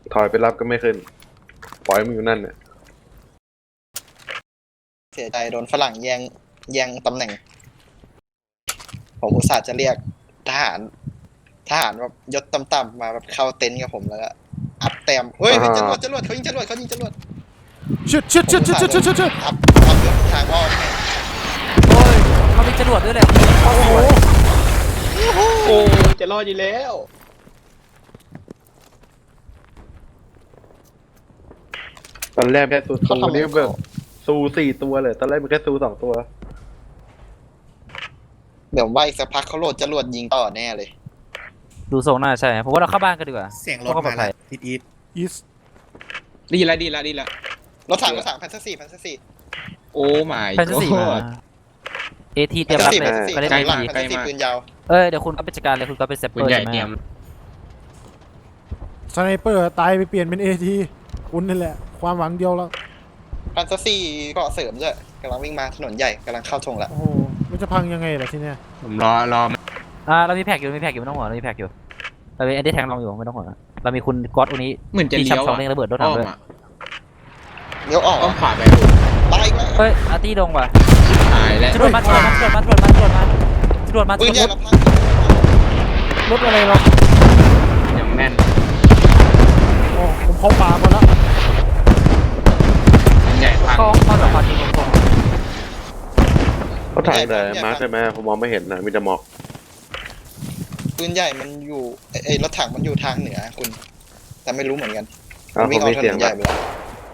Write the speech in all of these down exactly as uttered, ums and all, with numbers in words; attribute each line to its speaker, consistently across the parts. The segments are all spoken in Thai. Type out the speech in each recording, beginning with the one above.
Speaker 1: ถอยไปรับก็ไม่ขึ้นปล่อยมันอยู่นั่นเนี่ย
Speaker 2: เสียใจโดนฝรั่งแย่งแย่งตำแหน่งผมอุตส่าห์จะเรียกทหารทหารแบบยศต่ำๆมาแบบเข้าเต็นท์กับผมแล้วก็อัพแต้มเฮ้ยจรวดจรวดเขายิงจรวดเขายิงจรวด
Speaker 3: ชิดชิดชิดชิดชิดชิดชิดชิด
Speaker 2: อัพอัพยศทางอ้อม
Speaker 4: โอ้ยเขามีจรวดด้วยเลยโอ้โห
Speaker 5: โอ้จะรอดอยู่แล้ว
Speaker 1: ตอนแรกแค่ซูซูนี่แบบซูสี่ตัวเลยตอนแรกมันแค่ซูสองตัว
Speaker 2: เดี๋ยวว่าอีกสักพักเขาโหลดจรวดยิงต่อแน่เลย
Speaker 4: ดูทรงน่าใช่ผมว่าเราเข้าบ้านกันดีกว่า
Speaker 5: เสียงรถมาแล้วทิศอีท
Speaker 3: อีส
Speaker 5: ดีละดีละดีละ
Speaker 2: รถถังรถถังแพนซัสซี่แพนซัสซี่
Speaker 5: โอ้ไม่
Speaker 4: แพนซี่มาเอทีเตรียมรับเลย
Speaker 2: ไปเล่นหลังแพนซัสซี่ปืนยาว
Speaker 4: เอ้ยเดี๋ยวคุณก็เป็นจัดการเลยคุณก็เป็นเซปเปอร์ใช่ไหม
Speaker 3: สไนเปอร์ตายไปเปลี่ยนเป็นเอทีคุณนี่แหละความหวังเดียวแล้ว
Speaker 2: แพนซัสซี่ก็เสริมด้วยกำลังวิ่งมาถนนใหญ่กำลังเข้าธงแล้ว
Speaker 3: โอ้โหมันจะพังยังไงล่ะทีเนี้ย
Speaker 5: ผมรอรอ
Speaker 4: อ่าเรามีแพ็กอยู่มีแพ็กอยู่ไม่ต้องห่วงเรามีแพ็กอยู่เรามีแอนดี้แทงลองอยู่ไม่ต้องห่วงเรามีคุณก๊อตอุนี้
Speaker 5: เหมือนจะเลี้ยว
Speaker 4: อ่ะระเบิดรถถังด้วย
Speaker 2: เลี้ยวออก
Speaker 5: อ้อมขวาไป
Speaker 2: ตายอีกแล้ว
Speaker 4: เฮ้ยอาร์ตี้ลงว่ะ
Speaker 5: หายแล้ว
Speaker 4: จรวดมาจรวดมาจรวดมาจรวดมาจรวดมาจรวดมา
Speaker 2: ปืนใหญ่เราพัง
Speaker 3: รถอะไรหรอ
Speaker 5: อย่างแน่น
Speaker 3: โอ้ผมเข้าป่าหมดแล้ว
Speaker 5: ใหญ่พัง
Speaker 4: เข้าเข้าจากความจริงตรง
Speaker 1: เขาถ่ายแต่มาร์คใช่ไหมผมมองไม่เห็นนะมีแต่หมอก
Speaker 2: ปืนใหญ่มันอยู่ไอ้รถถังมันอยู่ทางเหนือคุณแต่ไม่รู้เหมือนกัน
Speaker 1: มันวิ่งออกถนนใหญ่ไปแล้ว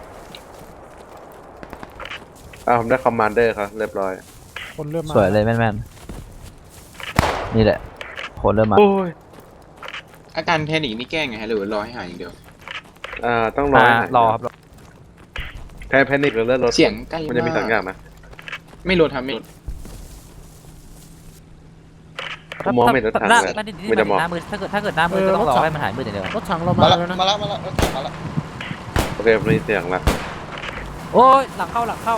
Speaker 1: อ้าวผมได้คอมมานเดอร์ครับเรียบร้อย
Speaker 3: คนเริ่มมา
Speaker 4: สวยเลยแม่นๆนี่แหละคนเริ่มมา
Speaker 5: อาการแพนิคนี่แก้ไงฮะหรือรอให้หายอย่างเดียว
Speaker 1: อ่าต้องรอ
Speaker 4: รอครับ
Speaker 1: แพ้แพนิคหรือเลือดลด
Speaker 5: เสียงใกล้
Speaker 1: มันจะมีสองอย่างนะ
Speaker 5: ไม่ลดทำไม่ลด
Speaker 1: มองไม่เห็นรถถังเลย
Speaker 4: ไม่ได้มองมือถ้าเกิดถ้าเกิดหน้ามือก็ต้องรอให้มันหายมือเดียว
Speaker 3: รถถังเรามาแล้วนะ
Speaker 2: มาแล้วมาแล้วรถถังมาแล้ว
Speaker 1: โอเคมีเสียงละ
Speaker 4: โอ้ยหลังเข้าหลังเข้า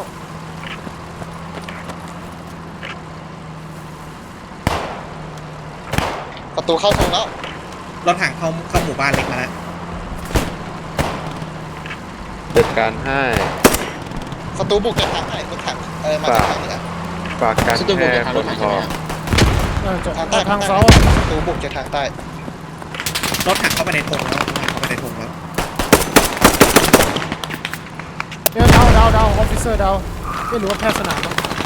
Speaker 2: ประตูเข้าธงแล้ว
Speaker 5: รถถังเข้าเข้าหมู่บ้านเล็กมาแล้ว
Speaker 1: จัดการให้
Speaker 2: ประตูบุกจากทางไหนรถถังเออมาจากทางเหนือ
Speaker 1: ฝากการแค่คนพอ
Speaker 2: ทางใต้
Speaker 3: ทางเสา
Speaker 2: ประตูบุกจากทางใต้
Speaker 5: รถถังเข้าไปในธงแล้วเข้าไปในธงแล้ว
Speaker 3: เดี๋ยวดาวดาวดาวออฟฟิเซอร์ดาวไม่รู้ว่าแพทย์สนาม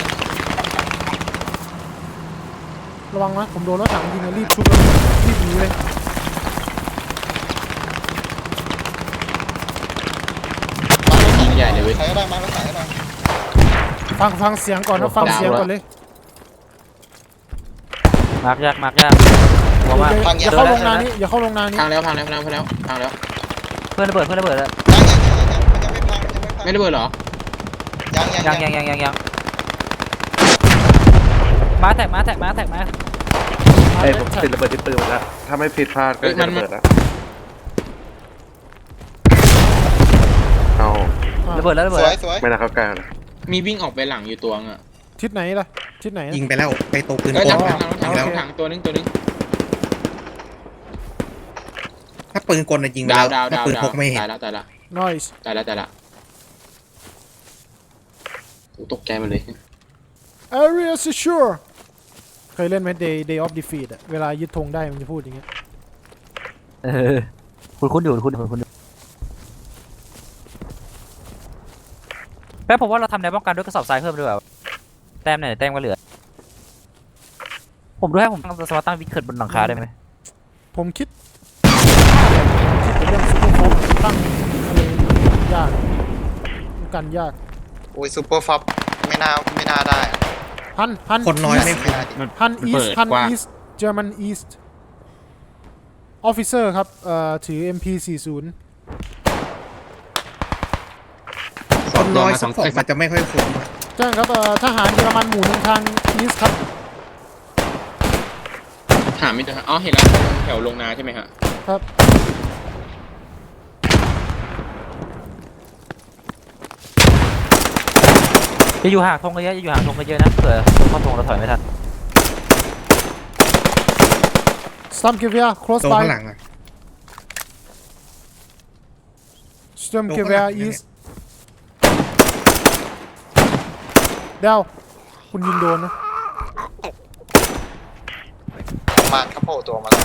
Speaker 3: ระวังนะผมโดนรถถังยิงรีบชุบเลยรีบหนีเลย
Speaker 2: ยิงใหญ่เลยเว้ยใครก็ได้มารถถังก็ได้
Speaker 3: ฟังฟังเสียงก่อนนะฟังเสียงก่อนเลย
Speaker 4: มากยากมากยากหัวมาก
Speaker 3: อย่าเข้าลงนานี้อย่าเข้าลงนานี้
Speaker 5: พังแล้วพังแล้วพังแล้วพังแล้วพังแล้ว
Speaker 4: เพื่อนระเบิดเพื่อนระเบิดแล้ว
Speaker 2: ยังไม่พังยังไม่พัง
Speaker 5: ไม่ระเบิดเหรอ
Speaker 2: ยัง
Speaker 4: ยังยังยังยังยังมาแตกมาแตกมาแตกมา
Speaker 1: เอ้ยผมติดระเบิดที่ปืนแล้วถ้าไม่ผิดพลาดก็จะระเบิดแล้วเอา
Speaker 4: ระเบิดแล้วระเบิด
Speaker 1: ไม่น่าเข้าใกล้เลย
Speaker 5: มีวิ่งออกไปหลังอยู่ตัวอ่ะ
Speaker 3: ทิศไหนล่ะทิศไหน
Speaker 5: ยิงไปแล้วไปตกปืนโกงถังแล้วถังตัวนึงตัวนึงถ้าปืนกลน่ะยิงไปแล้วถ้าปืนพกไม่เห็นตายแล้วตายแล้ว
Speaker 3: noise
Speaker 5: ตายแล้วตายแล้วตกใจมาเลย
Speaker 3: area secure เคยเล่นไหม day day of defeat อะเวลายึดธงได้มันจะพูดอย่างเงี้ย
Speaker 4: เออคุณคุณอยู่คุณคุณคุณแป๊บผมว่าเราทำแนวป้องกันด้วยกระสอบทรายเพิ่มด้วยแบบแต้มไหนแต้มก็เหลือผมดูให้ผมตั้งสมาร์ตตั้งวิกเกิดบนหลังคาได้ไหม
Speaker 3: ผมคิดคิดเรื่องซูเปอร์ฟอร์ตั้งอะไรยากกันยาก
Speaker 2: โอ้ยซูเปอร์ฟอปไม่น่าไม่น่าได้
Speaker 3: ฮันฮัน
Speaker 5: คนน้อยไม่
Speaker 3: ฮันอีสฮันอีสเยอรมันอีสออฟฟิเซอร์ครับเอ่อถือ เอ็ม พี สี่สิบ
Speaker 5: คนน้อยสองคนมันจะไม่ค่อยคุ้ม
Speaker 3: แจ้งครับทหารเยอรมันหมู่หนึ่งทางอีสครับ
Speaker 5: หาไม่เจออ๋อเห็นแล้วแถวลงนาใช่ไหมฮะ
Speaker 3: ครับ
Speaker 4: จะอยู่ห่างธงเยอะจะอยู่ห่างธงเยอะนะเผื่อเข้าธงเราถอยไม่ทัน
Speaker 3: Some give ya close by
Speaker 5: ข้างหลังอ่ะ
Speaker 3: Sturmgewehr East เดาวคุณยิงโดนนะ
Speaker 2: มาก็โผล่ตัวมาแล้ว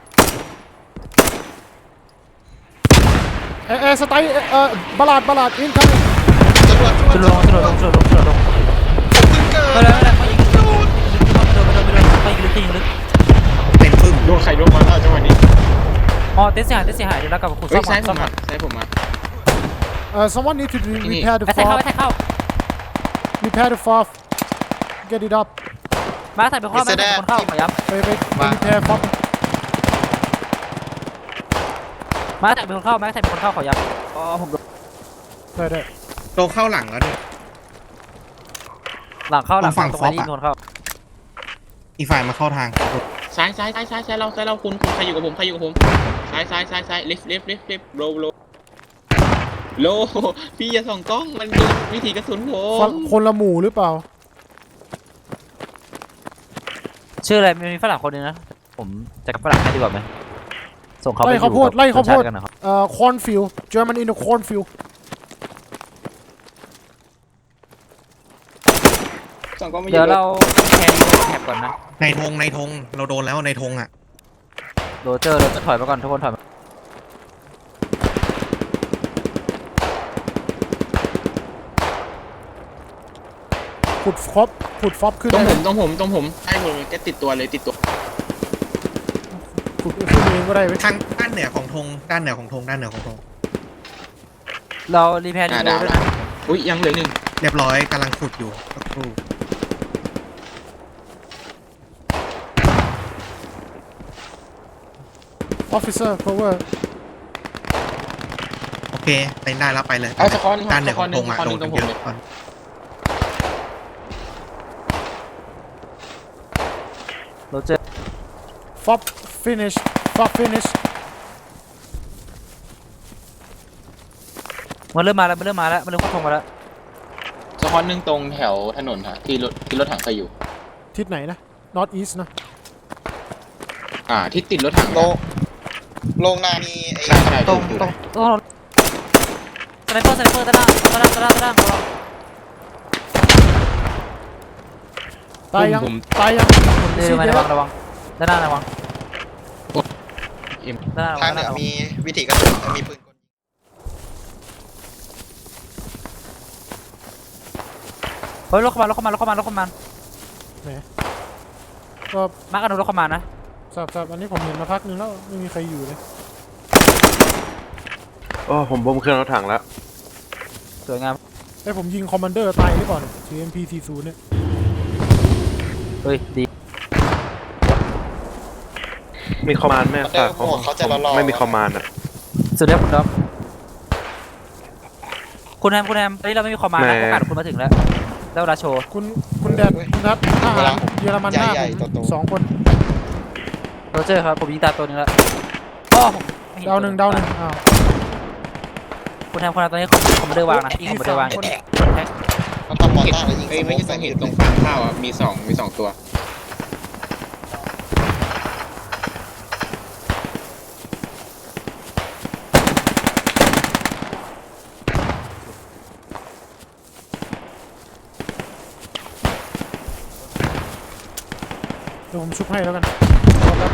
Speaker 3: เอเอสไตล์เอ่อบลาดบลาดอินคัม
Speaker 2: จรวดจ
Speaker 4: สุด
Speaker 2: ร
Speaker 4: ล
Speaker 2: ว
Speaker 4: ง
Speaker 2: ด
Speaker 4: สุดลงสุดลงสุดลง
Speaker 2: เกิ
Speaker 4: ไม่
Speaker 2: ด
Speaker 4: ได้ไม่ได้ไม่ยิงไม่โดนไม่โดนไม่โดนไม่ยิงลึกยิงลึก
Speaker 5: เต็มปึ้ม
Speaker 6: โดนใครโดนมาแล้วจังหวะนี้
Speaker 4: อ๋อเต้นเสียหายเต้นเสียหายเดี๋ยวเรากลับมาขุด
Speaker 6: เฮ้
Speaker 4: ซ่
Speaker 6: ย
Speaker 4: อม
Speaker 6: ซ้ายผ
Speaker 4: ซ่อ
Speaker 6: ม
Speaker 4: ม
Speaker 6: มาซ้ายผมมา
Speaker 3: เอ่อ someone need to re-
Speaker 6: นี่
Speaker 3: repair the
Speaker 4: ไอ้แท็กเข้า
Speaker 3: fob
Speaker 4: ไอ้แท็กเข้า
Speaker 3: repair the fob get it up
Speaker 4: มาใส่เป็นข้อมาใส่เป็นคนเข้าขอย้
Speaker 3: ไปไปไป repair fob
Speaker 4: ำมาใส่เป็นคนเข้ามาใส่เป็นคนเข้าขอย้ำอ๋อผมโดน
Speaker 3: ได้ได้
Speaker 5: โตเข้าหลังแล้วเนี่ย
Speaker 4: หลังเข้าหลัง
Speaker 5: ฝั่ง
Speaker 4: ตรง
Speaker 5: ฟอ
Speaker 4: ไป
Speaker 5: บ
Speaker 4: ที่
Speaker 5: อะ
Speaker 4: โดนเข้า
Speaker 5: อีกฝ่ายมาเข้าทาง
Speaker 6: ซ้ายซ้ายซ้ายซ้ายซ้ายเราซ้ายเราคุณคุณใครอยู่กับผมใครอยู่กับผมซ้ายซ้ายซ้ายซ้ายลิฟต์ลิฟต์ลิฟต์ลิฟต์โลโลโลพี่อย่าส่องกล้องมันดูวิธีกระสุนผ
Speaker 3: คน
Speaker 6: ม
Speaker 3: คนละหมู่หรือเปล่า
Speaker 4: ชื่ออะไรมีฝรั่งคนนึงนะผมจะกับฝรั่งให้ดีกว่าไหมส่งเขาไป
Speaker 3: ไล่
Speaker 4: อยู่
Speaker 3: ข้าวโพด
Speaker 4: กับ
Speaker 3: ไล่ข้าวโพด
Speaker 4: ชติกันนะครับ
Speaker 3: เอ่อ cornfield German in the cornfield
Speaker 6: ส่องกล้องไม่อ
Speaker 4: เดี๋ยว
Speaker 6: ยู่
Speaker 4: เราแคร์ดีแคปก่อนนะ
Speaker 5: ในธงในธงเราโดนแล้วในธงอ่ะ
Speaker 4: โรเจอร์เราจะถอยมาก่อนทุกคนถอยมา
Speaker 3: ขุดฟอบขุดฟอบขึ้น
Speaker 6: ตรง
Speaker 3: ได้
Speaker 6: ผมตรงผมตรงผมใช่ผมจะติดตัวเลยติดตัว
Speaker 3: ขุดขึ้นเองก็ได้ไหม
Speaker 5: ทางด้านเหนือของธงด้านเหนือของธงด้านเหนือของธง
Speaker 4: เรารีแพร์ดี
Speaker 6: อ่า
Speaker 4: โด้วย
Speaker 6: ดาวแล้
Speaker 4: นะ
Speaker 6: วอุ้ยยังเหลือหนึ่ง
Speaker 5: เรียบร้อยกำลังขุดอยู่สักครู่
Speaker 3: ออฟฟิเซอร์ cover
Speaker 5: โอเคไปได้แล้วไปเลย
Speaker 6: เอาสะคอน
Speaker 5: ด้านเหนื
Speaker 6: สะ
Speaker 5: อ
Speaker 6: ค
Speaker 5: ข
Speaker 6: อ
Speaker 5: อน ง
Speaker 6: ห
Speaker 5: ธ
Speaker 6: นึ่ง
Speaker 5: ง
Speaker 6: สะ
Speaker 5: อ่ะ
Speaker 6: คอนห
Speaker 5: โด
Speaker 6: นึ่
Speaker 5: น
Speaker 6: งตร
Speaker 5: กั
Speaker 6: ง
Speaker 5: น
Speaker 6: ผมเลย
Speaker 5: เยอะก่อน
Speaker 4: โรเจอร์
Speaker 3: ฟอบ finish ฟอบ finish
Speaker 4: มันเริ่มมาแล้วมันเริ่มมาแล้วมันเริ่มเข้าทงมาแล้ว
Speaker 6: สะคอนหนึ่งตรงแถวถนนฮะที่รถที่รถถังเคยอยู่
Speaker 3: ทิศไหนนะ north east นะ
Speaker 6: อ่าที่ติดรถถัง
Speaker 2: โลโลงนามีไอ้
Speaker 6: ใช่ใช่
Speaker 4: ตรง
Speaker 6: ถูก
Speaker 4: ตรงตรงสไนเปอร์สไนเปอร์ด้านล่างด้านล่างด้านล่างด้านล่างของเรา
Speaker 3: ตายยัง
Speaker 6: ผม
Speaker 3: ตายยัง
Speaker 4: เดินมาระวังระวังด้านหน้าระวัง
Speaker 6: เอ็ม
Speaker 4: ด้านหน้าระวั
Speaker 2: ทาง ง
Speaker 4: ด้าน
Speaker 2: เห
Speaker 4: ห
Speaker 2: นื
Speaker 4: น้าระวัง
Speaker 2: อมีวิธีกระสุนมีปืนกล
Speaker 4: เฮ้ยรถเข้ามารถเข้ามารถเข้ามารถเข้ามา
Speaker 3: ก็
Speaker 4: มาร์กกันดูรถเข้ามานะ
Speaker 3: สับสับอันนี้ผมเห็นมาพักนึงแล้วไม่มีใครอยู่เลย
Speaker 1: โอ้ผมบ่มเครื่องรถถังแล้ว
Speaker 4: สวยงาม
Speaker 3: ไอ้ผมยิงคอมมานเดอร์ตายหรือเปล่าเนี่ย ที เอ็ม พี สี่สิบ เนี่ย
Speaker 4: เฮ้ยดี
Speaker 1: มีคอมมานด์แม่ฝาก
Speaker 2: โอ้โหเขาจะรอๆ
Speaker 1: ไม่มีคอมมานด์อ่ะ
Speaker 4: สุดยอดคุณด็อกคุณแฮมคุณแฮมตอนนี้เราไม่มีคอมมานด์นะ
Speaker 1: แหม่
Speaker 4: โอกาสคุณมาถึงแล้วได้เวลาโชว์
Speaker 3: คุณคุณแดดคุณนัททหารเยอรมันหน้า
Speaker 2: ใหญ่
Speaker 3: ผม
Speaker 2: ๆโตๆ
Speaker 3: สองคน
Speaker 4: โรเจอร์ครับผมยิงตาตัวหนึงแล้วอ๋อผมไม่เห็
Speaker 3: ดาวหนึ่งดาวหนึ่งอ้าว
Speaker 4: คุณแฮมคุณแฮมตอนนี้คอมคอมมานเดอร์วางนะยิงคอมมานเดอร์วาง
Speaker 3: มีสามคน
Speaker 4: แท็ก
Speaker 2: เขาทำมอนต้าแล้วยิง
Speaker 6: เอ้ย
Speaker 2: ส
Speaker 6: ไม่
Speaker 2: โม
Speaker 6: ใช่
Speaker 2: ก
Speaker 6: ส
Speaker 2: ใส่
Speaker 6: อง
Speaker 2: ห
Speaker 6: เห็
Speaker 2: ยุ
Speaker 6: ด
Speaker 2: ด
Speaker 6: ตร
Speaker 2: เล
Speaker 6: ง
Speaker 2: ย
Speaker 6: ฟางข้าวอ่ะมีสองมีสองตัว
Speaker 3: เดี๋ยวผมชุบให้แล้วกันรอแป๊บ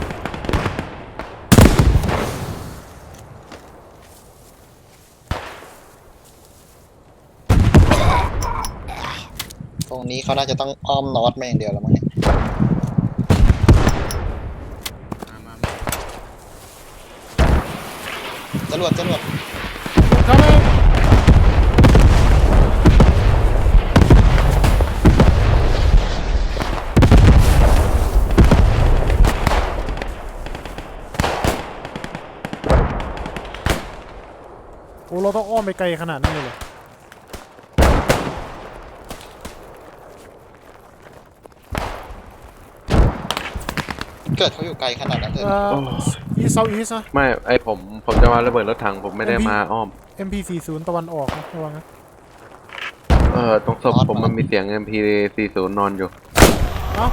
Speaker 2: ตรงนี้เขาน่าจะต้องอ้อมนอตมาอย่างเดียวแล้วมั้งเนี่ย
Speaker 6: มามา
Speaker 2: จรวดจรวด
Speaker 3: เข้ามาโอ้เราต้องอ้อมไปไกลขนาดนั้นเลยเหรอ
Speaker 2: เกิดเขาอยู่ไกลขนาดนั้นเลย
Speaker 3: เอ่อ
Speaker 1: โอ้
Speaker 3: อีเซาอีสนะ
Speaker 1: ไม่ไอผมผมจะมาระเบิดรถถังผมไม่ได้มาอ้อม
Speaker 3: เอ็ม พี สี่สิบ ตะวันออกนะระวังนะ
Speaker 1: เออตรงศพผมมันมีเสียง เอ็ม พี สี่สิบ นอนอยู่
Speaker 3: เอ้า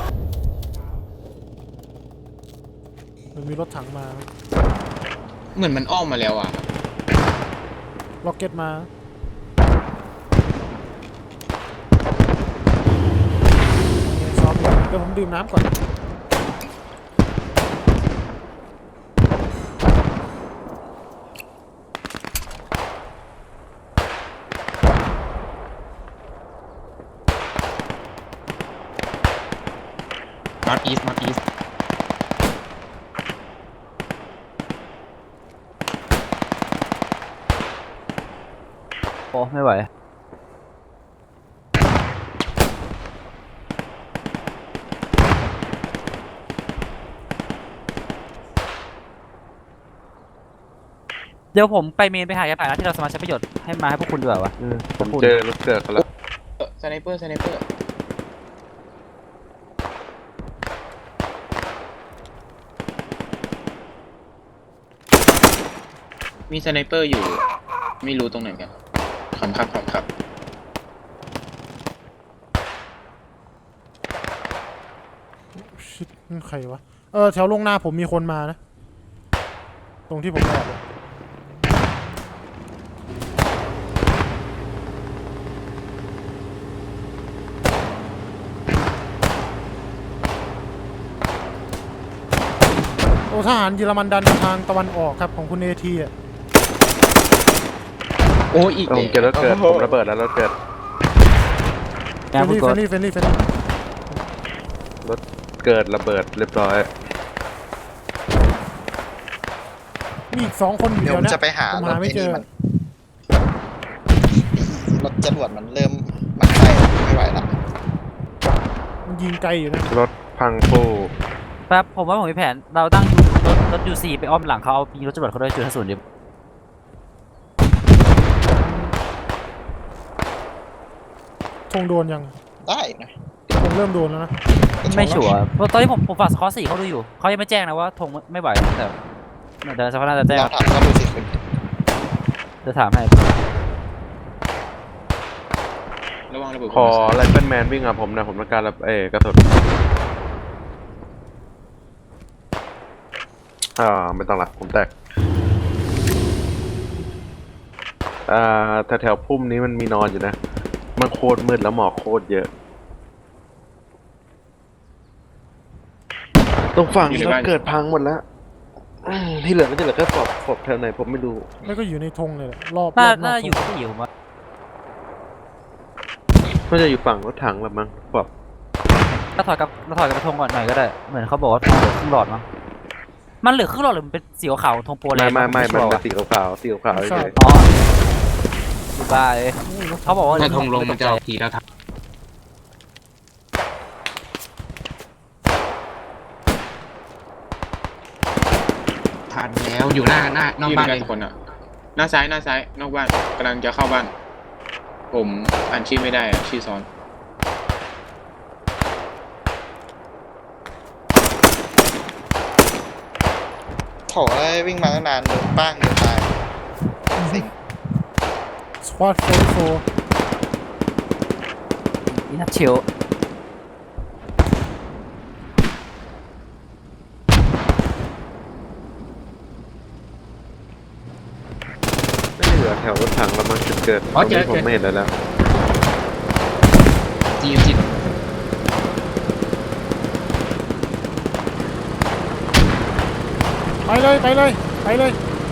Speaker 3: มันมีรถถังมา
Speaker 6: เหมือนมันอ้อมมาแล้วอ่ะ
Speaker 3: ล็อกเก็ตมาซ้อมอยู่เดี๋ยวผมดื่มน้ำก่อน
Speaker 6: north east north east
Speaker 4: โอ้ไม่ไหวเดี๋ยวผมไปเมนไปหายาผ่านนะที่เราสามารถใช้ประโยชน์ให้มาให้พวกคุณดีกว่าวะ
Speaker 1: อืมผมเจอรถเกิดเขาแล้ว
Speaker 6: สไนเปอร์สไนเปอร์มีสไนเปอร์อยู่ไม่รู้ตรงไหนกันขำครับขำครับ
Speaker 3: ชิดนั่นใครวะเออแถวลงหน้าผมมีคนมานะตรงที่ผมแอบอะโอ้ทหารเยอรมันดันมาทางตะวันออกครับของคุณเอทีอ่ะ
Speaker 6: โอ้อีก
Speaker 1: ผมเจอรถเกิดผมระเบิดแล้วรถเกิด
Speaker 3: เฟ
Speaker 4: งาน
Speaker 3: รน
Speaker 4: พูด
Speaker 3: ลี่
Speaker 4: ก่
Speaker 3: เฟ
Speaker 4: อ
Speaker 3: ร
Speaker 4: น
Speaker 3: นลี่เฟรนลี่เฟรนลี่
Speaker 1: รถเกิดระเบิดเรียบร้อย
Speaker 3: มีอีกสองคนอยู่
Speaker 2: เดี๋ยว
Speaker 3: เดียว
Speaker 2: ผม
Speaker 3: นะ
Speaker 2: จะไปหา
Speaker 3: ผม
Speaker 2: รถ
Speaker 3: หาไม่
Speaker 2: ไอ้
Speaker 3: เจ
Speaker 2: นี่
Speaker 3: อ
Speaker 2: มันรถจรวดมันเริ่มมันใกล้ไม่ไหวละ
Speaker 3: มันยิงไกลอยู่นะ
Speaker 1: รถพังฟู่
Speaker 4: แป๊บผมว่าผมมีแผนเราตั้งรถรถยูซีไปอ้อมหลังเขาเอายิงรถจรวดเขาด้วยจุดห้าศูนย์เดียว
Speaker 3: ธงโดนยัง
Speaker 2: ได้นะ
Speaker 3: ธงเริ่มโดนแล้วนะ
Speaker 4: ไม่ชัวร์เพราะตอนที่ผมผมฝากสกอร์สี่เขาดูอยู่เขายังไม่แจ้งนะว่าธงไม่ไหวแต่เดี๋ยวสักพักน่าจะแจ้ง
Speaker 2: ลองถามเขาดูสิคุณ
Speaker 4: จะถามให้
Speaker 6: ระวังระเบิด
Speaker 1: ขอไลเฟิลแมนวิ่งกับผมนะผมต้องการระเอกระสุนอ่าไม่ต้องละผมแตกอ่าแถวๆพุ่มนี้มันมีนอนอยู่นะมันโคตรมืดแล้วหมอกโคตรเยอะตรงฝั่งรถเกิดพังหมดแล้วอืมที่เหลือก็จะเหลือแค่ศพศพแถวไหนผมไม่รู้
Speaker 3: แล้วก็อยู่ในธงเลยแหละรอบ
Speaker 4: น่าร
Speaker 3: อบน
Speaker 4: น่า
Speaker 3: อก
Speaker 4: จะอยู่
Speaker 3: ธง
Speaker 4: ที่อยู่ผมว่า
Speaker 1: น่าจะอยู่ฝั่งรถถังแบบมั้งศพ
Speaker 4: เราถอยกับเราถอยกับธงก่อนหน่อยก็ได้เหมือนเขาบอกว่าธงเหลือครึ่งหลอดมั้งมันเหลือครึ่งหลอดหรือมันเป็นสีขาวๆธงโปรแล
Speaker 1: ไม่
Speaker 4: นด์
Speaker 1: ไม่ไม่มัน
Speaker 4: ชัวร์
Speaker 1: เป็น
Speaker 4: ว่ะ
Speaker 1: สีขาวๆสีขาวๆเฉย
Speaker 4: อ๋อดูบ้าเลยเขาบอกว่า
Speaker 6: ถ้าธงลงมันจะออกทีแล้วทับ
Speaker 5: ผ่านแล้วอยู่หน้าหน้านอกบ้าน
Speaker 6: เล
Speaker 5: เลย ย
Speaker 6: คนอ่ะหน้าซ้ายหน้าซ้ายนอกบ้านกำลังจะเข้าบ้าน ผมอ่านชื่อไม่ได้อ่ะชื่อซ้อน
Speaker 2: โถเอ้ยวิ่งมาตั้งนานโดนป้างเดียวตายสิง
Speaker 3: สควอตโฟร์โฟร์
Speaker 4: อินัทเชียว
Speaker 1: ไม่เหลือแถวรถถังแล้วมั้งจุดเกิด
Speaker 5: อ๋อเจอ
Speaker 1: ตรงนี้ผม
Speaker 5: เจอ
Speaker 1: ไม่เห็นแล้วแล้ว
Speaker 5: จีจี
Speaker 3: ไปเลยไปเลยไปเลย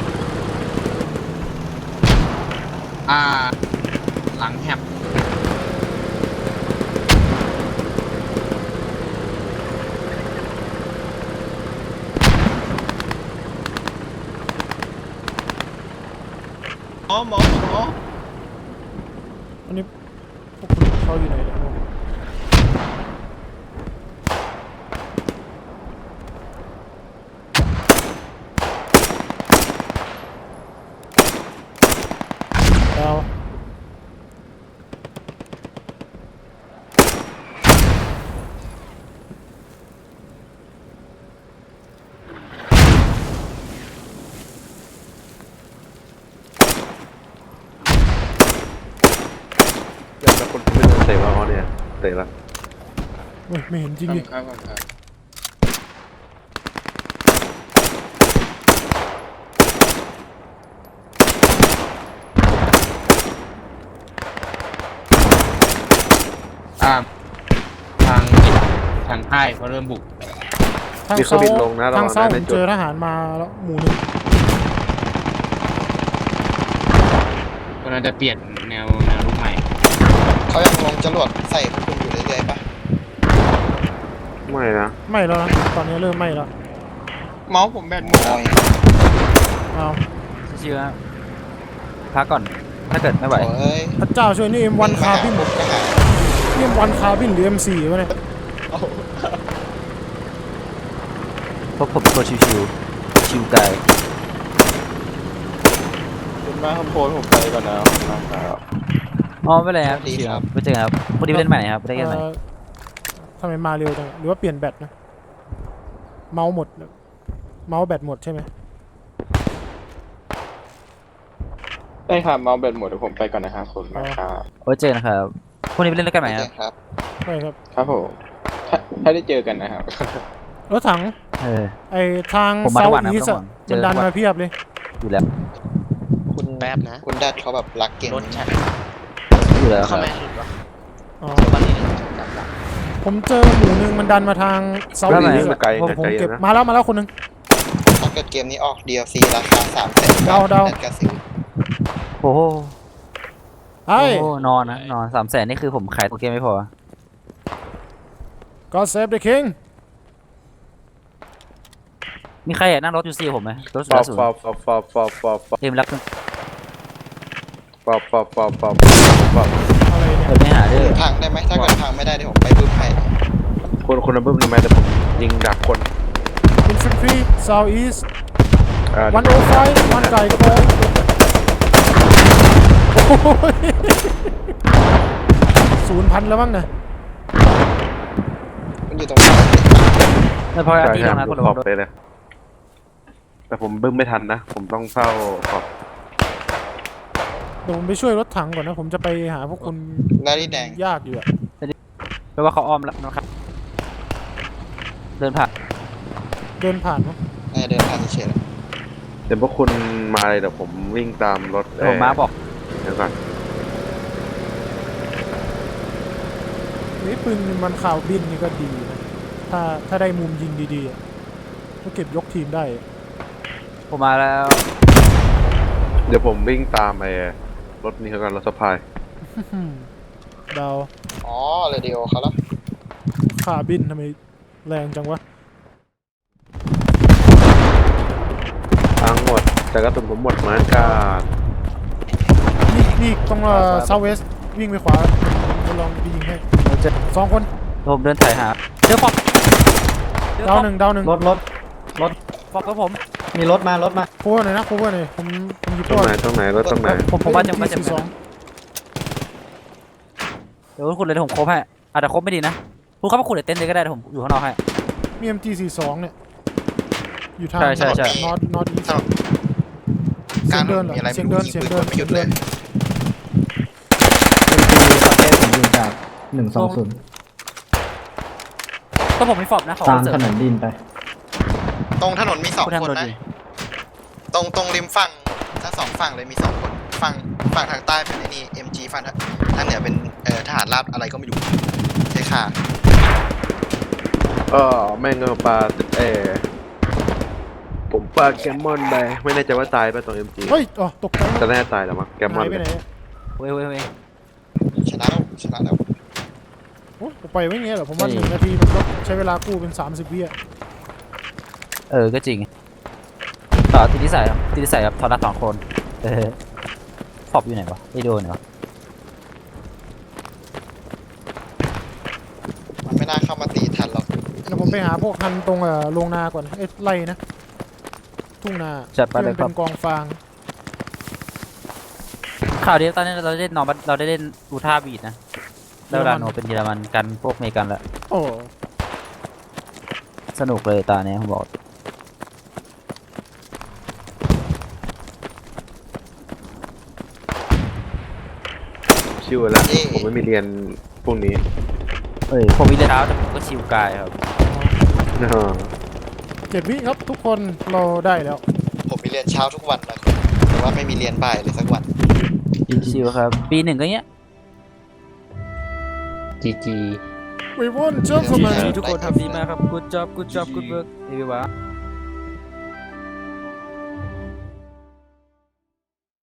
Speaker 5: อ่าหลังแฮบ
Speaker 6: อ๋อหมอหมอ
Speaker 3: อันนี้พวกคุณเขาอยู่ไหนเนี่ยดาว
Speaker 1: เดี๋ยวแล้วคนที่ไม่โดนเตะมาอ๋อเนี่ยเตะแล้ว
Speaker 3: เฮ้ยไม่เห็นจริงดิ
Speaker 6: ครับครับครับอ่าทางทางใต้เขาเริ่มบุก
Speaker 3: ทาง
Speaker 1: มีเครื่อ
Speaker 3: เซาง
Speaker 1: บินลงนะระ
Speaker 3: ทาง
Speaker 1: วัง
Speaker 3: เซา
Speaker 1: นะ
Speaker 3: ผ
Speaker 1: ใน
Speaker 3: ม
Speaker 1: จุ
Speaker 3: เจ
Speaker 1: ด
Speaker 3: อทหารมาแล้วหมู่หนึ่ง
Speaker 6: ก็น่าจะเปลี่ยนแนวแนวรูปใหม่
Speaker 2: เขายังลงจรวดใส่พวกคุณอยู่เรื่อยๆปะ
Speaker 1: ไม่นะ
Speaker 3: ไม่แล้วนะตอนนี้เริ่มไม่แล้ว
Speaker 6: เมาส์ผมแบตหมด
Speaker 2: โอ้ย
Speaker 3: เอา
Speaker 4: ชิวๆนะพักก่อนถ้าเกิดไม่ไหว
Speaker 2: โอ้ย
Speaker 3: พระเจ้าช่วยนี่ เอ็ม วัน คาร์บิน
Speaker 2: ปุ๊บก็หา
Speaker 3: นี่ เอ็ม วัน คาร์บินหรือ เอ็ม โฟร์ วะเนี่ย
Speaker 4: พวกผมเป็นคนชิวๆชิวกาย
Speaker 7: คุณมาคำโพสผมไปก่อนนะนะครับ
Speaker 4: อ๋อไม่เป็นไรครับชิวๆครับไปเจอกันครับพอดีไปเล่นใหม่ครับไปได้กันใหม่
Speaker 3: เอ่อทำไมมาเร็วจังหรือว่าเปลี่ยนแบตนะเมาส์หมดเมาส์แบตหมดใช่ไหม
Speaker 7: ได้ครับเมาส์แบตหมดเดี๋ยวผมไปก่อนนะครับคุณมาครับ
Speaker 4: ไว้เจอกันครับพรุ่งนี้ไปเล่นด้วยกันใหม่ครับ
Speaker 2: ครับ
Speaker 3: ใช่ครับ
Speaker 7: ครับผมถ้าถ้าได้เจอกันนะครับ
Speaker 3: รถถัง
Speaker 4: เออ
Speaker 3: ไอทาง
Speaker 4: ผมมา
Speaker 3: เซา
Speaker 4: ทุกวันนะ
Speaker 3: ท์อีส
Speaker 4: ทุกวั
Speaker 3: อะ
Speaker 4: นเจ
Speaker 3: มัน
Speaker 4: อ
Speaker 3: ดัน
Speaker 4: ทุกวัน
Speaker 3: มาเพียบเลย
Speaker 4: อยู่แล้ว
Speaker 8: คุณแป๊บนะ
Speaker 2: คุณดัดเขาแบบรักเก่ง
Speaker 8: รถฉัน
Speaker 4: อยู่แล้วค
Speaker 8: เข้า
Speaker 4: รับ
Speaker 8: แม่หลุดวะ
Speaker 3: อ๋อ
Speaker 8: เดี๋ยววันนี้ฉันจำละ
Speaker 3: ผมเจอหมู่หนึ่งมันดันมาทางเซาท์
Speaker 4: แล้วไหน
Speaker 3: อีส
Speaker 1: ไกล
Speaker 3: ผม
Speaker 1: ไกล
Speaker 3: ผมเก็บ
Speaker 1: นะ
Speaker 3: มาแล้วมาแล้วคนหนึง
Speaker 2: ถ้าเกิดเกมนี้ออก ดี แอล ซี ราคาสามแสน
Speaker 3: เดาเดา
Speaker 2: กระซื้อ
Speaker 4: โอ้โห
Speaker 3: ไอ้
Speaker 4: โอ้โหนอนนะนอนสามแสนนี่คือผมขายตัวเกมไม่พอ
Speaker 3: ก็เซฟเดอะคิง
Speaker 4: มีใครอยากนั่งรถยูซีผมไหมรถสุ
Speaker 1: ฟอ
Speaker 4: ด
Speaker 1: บ
Speaker 4: สูง
Speaker 1: ฟอบฟอบฟอบฟอบฟอบฟอบ
Speaker 4: เกมรัก
Speaker 1: ฟอบฟอบฟอบฟอบฟอบ
Speaker 3: อะไรเนี่ย
Speaker 4: เปิดไม่หาเด้อ
Speaker 2: พังได้ไหมถ้าเกิดพังไม่ได้เดี๋ยวผมไปบึ้มให้
Speaker 1: คนคนละบึ้มทำไมแต่ผมยิงดักคน
Speaker 3: อินฟินทรีเซาท์อีส
Speaker 1: อ่า
Speaker 3: วันโอไฟวันไก่ก็พอโอ้ยศูนย์พันแล้วมั้งนะ
Speaker 2: มันอยู่ตรงนี้
Speaker 4: ไม่พอ
Speaker 1: ใช่
Speaker 4: ที่
Speaker 1: ใช่
Speaker 4: ตรงนั้น
Speaker 1: ผ
Speaker 4: คน
Speaker 1: ม
Speaker 4: ละ
Speaker 1: ข
Speaker 4: ค
Speaker 1: อน บไปเลย แต่ผมบึ้มไม่ทันนะ ผมต้องเฝ้าขอบ
Speaker 3: เดี๋ยวผมไปช่วยรถถังก่อนนะ ผมจะไปหาพวกคุณ
Speaker 2: นาฬิแดง
Speaker 3: ยากอยู่อะ
Speaker 4: แปลว่าเขาอ้อมแล้วนะครับ เดินผ่าน
Speaker 3: เดินผ่านเนาะ
Speaker 2: เออเดินผ่านเฉยๆแล้ว
Speaker 1: เดี๋ยวพวกคุณมาเลยเดี๋ยวผมวิ่งตามรถ
Speaker 4: เดี๋ยวผมมาบอก
Speaker 1: เดี๋ยวก่อน
Speaker 3: นี่ปืนมันข่าวบินนี่ก็ดีนะถ้าถ้าได้มุมยิงดีๆอะก็เก็บยกทีมได้อะ
Speaker 4: ผมมาแล้ว
Speaker 1: เดี๋ยวผมวิ่งตามไอ้รถนี้เขากันรถสะพาย
Speaker 3: อืมดาว
Speaker 2: อ๋อเรดิโอเขาแล้ว
Speaker 3: ข่าบินทำไมแรงจังวะ
Speaker 1: ทั้งหมด แต่กระสุนผมหมดเหมือนกัน
Speaker 3: นี่นี่ต้องเอ่อเซาเวสวิ่งไปขวาจะลองไปยิงให้
Speaker 4: เราจะ
Speaker 3: สองคน
Speaker 4: ผมเดินถ่ายหาเจอฟอกเจอฟ
Speaker 3: ดา
Speaker 4: อ
Speaker 3: ว
Speaker 4: ก
Speaker 3: หนึ่งดาวหนึ่ง
Speaker 8: รถรถรถ
Speaker 4: ฟอกกับผม
Speaker 8: มีรถมารถมา
Speaker 3: โค้ดหน่อยนะโค้ดหน่อยผมผมหยิบ
Speaker 1: ตรง
Speaker 3: ตัว
Speaker 1: ไหนตรงไหนรถตรงไหน
Speaker 4: ผมผมว่าจะมาจะ
Speaker 3: สอง
Speaker 4: เดี๋ยวคุณเลยเดี๋ยวผมครบให้อาจจะครบไม่ดีนะคุณเข้ามาขุดในเต็นท์เลยก็ได้เดี๋ยวผมอยู่ข้างนอกให้
Speaker 3: มี เอ็ม จี สี่สิบสองเนี่ยอยู่ทาง
Speaker 4: ใช่ใช่ใช่
Speaker 3: นอตนอตอีส
Speaker 2: ถนนก
Speaker 3: เสี
Speaker 2: ลาย ง
Speaker 3: งเดินเหรอ
Speaker 2: มีอะไร
Speaker 3: เสี
Speaker 2: ไม่
Speaker 3: ยง
Speaker 2: รู้
Speaker 3: เดิน
Speaker 2: ยิง
Speaker 3: เสียง
Speaker 2: ปืน
Speaker 3: เดิน
Speaker 2: ไม่หยุดเลย
Speaker 8: เป็นปีประเทศผมอยู่จากหนึ่งสองศูนย์
Speaker 4: ก็ผมมีฟอบนะขอ
Speaker 8: ตาม
Speaker 4: เสริ
Speaker 8: ถ
Speaker 4: ม
Speaker 8: นนดินไป
Speaker 2: ตรงถนนมีสอง
Speaker 4: คุณทำ
Speaker 2: คน
Speaker 4: รถ
Speaker 2: นะ
Speaker 4: ดี
Speaker 2: ตรงตรงริมฝั่งทั้งสองฝั่งเลยมีสองคนฝั่งฝั่งทางใต้เป็นไอ้นี่ เอ็ม จี ฝั่งทางทางเหนือเป็นเอ่อทหารราบอะไรก็ไม่รู้ใช่ค่ะ
Speaker 1: เออแม่งเอาปลาเออผมปลาแกมมอนไปไม่แน่ใจว่าตายไปตรงเอ็มจี
Speaker 3: เฮ้ยอ๋อตกใจ
Speaker 1: จะแน่ตายแล้วมั้งแกมมอ
Speaker 3: หาน ยไปไหนอะ
Speaker 4: เว้ยเว้ยเว้ย
Speaker 2: ชนะแล้วชนะแล้ว
Speaker 3: โอ้ยไปไว้อย่างเงี้ยเหรอผมว่า
Speaker 4: เฮ้
Speaker 3: ห
Speaker 4: ย
Speaker 3: นึ่งนาทีมันก็ใช้เวลากู้เป็นสามสิบวิอะ
Speaker 4: เออก็จริงต่อติดนิสัยครับติดนิสัยครับถอดรหัสสองคนเออฟอบอยู่ไหนวะไอโดนเหรอ
Speaker 2: มันไม่น่าเข้ามาตีทันหรอก
Speaker 3: เดี๋ยวผมไปหาพวกทันตรงเอ่อโรงนาก่อนเอ้ยไร่นะทุ่งนา
Speaker 4: จัดไป
Speaker 3: ที่
Speaker 4: เล
Speaker 3: มั
Speaker 4: ย
Speaker 3: น
Speaker 4: ครั
Speaker 3: เป็
Speaker 4: บ
Speaker 3: นกองฟาง
Speaker 4: ข่าวเดียวตอนนี้เราได้เล่นนอร์บัสเราได้เล่นอูท่าบีดนะแล้วเวลาโนเป็นเยอรมันกันพวกอเมริกันแล้ว
Speaker 3: โอ้
Speaker 4: สนุกเลยตาเนี้ยผมบอก
Speaker 1: ชิวแล้วผมไม่มีเรียนพวกนี้
Speaker 4: เอ้ยผมมีเล่นเท้าแต่ผมก็ชิวกายครับ
Speaker 1: อ่า
Speaker 3: เจ็ดวิครับทุกคนเราได้แล้ว
Speaker 2: ผมมีเรียนเช้าทุกวันนะแต่ว่าไม่มีเรียนบ่ายเลยสักวัน
Speaker 4: ชิวครับปีหนึ่งก็เงี้ย
Speaker 8: จ
Speaker 7: จีจี
Speaker 3: We won gentlemen
Speaker 4: ทุกคนทำดีมากครับ good job good job good work everyone